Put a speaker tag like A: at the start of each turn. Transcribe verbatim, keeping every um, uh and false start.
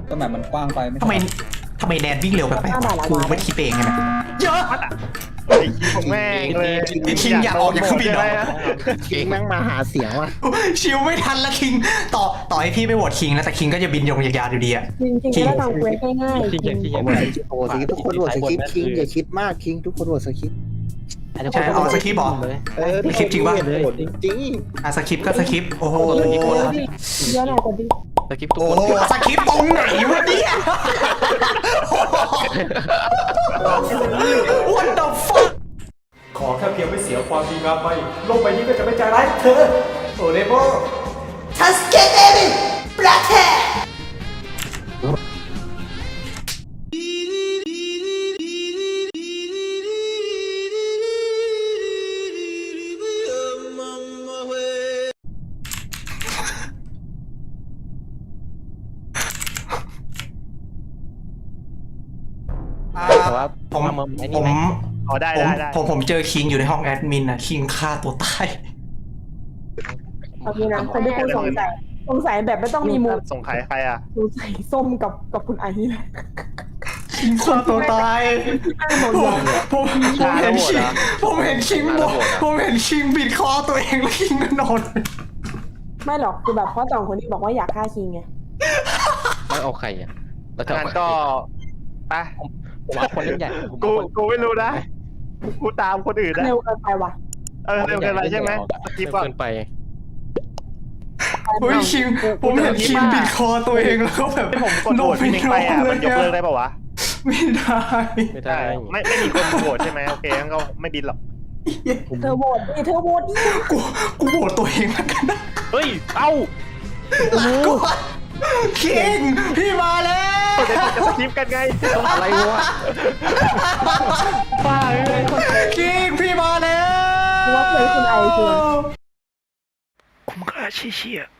A: ก็แบบมันกว้างไปไม่
B: ทำไมทำไมแดนวิ่งเร็วแบบกูไม่คิดเองไงนะเยอะ
C: ไอ้คิงแม่งเลย
B: คิงอยากออกจากเครื่องบินเหรอ
D: คิงแม่งมาหาเสียงว่ะ
B: ชิวไม่ทันละคิงต่อต่อให้พี่ไปโหวตคิงแล้วแต่คิงก็จะบินยงยาวๆอยู่ดีอะ
E: จริงๆก็ทำเควสง่ายๆ
F: คิงอย่างคิงอย่าง
D: โอ้โหทุกคนโหวตสคริปต์คิงอย่าคิดมากคิงทุกคนโหวตสคริปต์
B: ใช่เอาสคริปต์บอก
D: เออ
B: สคริปต์จริงปะ
D: โหวตจริง
B: อ่ะสคริปต์ก็สคริปต์โอ้โห
E: เยอะหน่อยกว่าที่
F: สกิปทุก
B: โอ้
F: คน
B: โหสคริปต์ตรงไหนวะเนี่ย What the fuck
G: ขอแค่เพียงไม่เสียความดีงามไปโลกใบนี้ก็จะไม่ใจร้ายเธอโอเรโม
F: แต่ว่า
B: ผม
F: มาเมืองไอ้
B: ผ
F: นี่
B: ม
F: ไหม
C: อ๋อได้
B: ผม
C: ได้ได้
B: ผมผมเจอคิงอยู่ในห้องแอดมินนะคิงฆ่าตัวตาย
E: เอางี้นะคนที่คุณสงสัยสงสัยแบบไม่ต้องมีมูล
C: ส่งขายใครอ่ะ
E: สงสัยส้มกับกับคุณไอซ์เลย
B: คิงฆ่าตัวตาย
E: อ้างหมด
B: ผ
E: เล
B: ม
E: ย
B: ผมผมเห็นคิงผมเห็นคิงบอกผมเห็นคิงบิดคอตัวเองแล้วคิงก็นอน
E: ไม่หรอกคือแบบเพราะสองคนที่บอกว่าอยากฆ่าคิงไง
F: แล้วเอาใครอ่ะแล้วจะ
C: งั้
F: เอา
C: น
F: ใคร
C: ก็ไป
F: ผมเอาคนเล่นใหญ่ผม
C: กู
F: เอาคน
C: กูไม่รู้นะกูตามคนอื่นนะ
E: เร็วเกินไปว่ะ
C: เออเร็วเกินไปใช่ไหมสกิป
F: เร็ว
C: อ่ะ
F: เกินไป
B: เฮ้ยคิงผมเห็นคิงบิดคอตัวเองแล้วก็แบบ
C: ที่ผมกดโหวตพี่นิกไปอ่ะมันยกเลิกได้ป่าวะ
B: ไม่ได้
F: ไม่ได้
C: ไม่ไม่มีคนโหวตใช่ไหมโอเคงั้นก็ไม่บินหรอก
E: เธอโหวตดิเธอโหวตดิ
B: กูกูโหวตตัวเองแล้วกันนะ
C: เฮ้ยเอ้า
B: ลาก่อนคิงพี่มาแล้ว
C: เดี๋ยวจะสกิปกันไง
F: อะไรวะ
C: บ้าเลย
B: คิงพี่มาแล้ว
E: ว่าเคยคุณไอซ์คือ
C: คุ้มค่าเชี่ย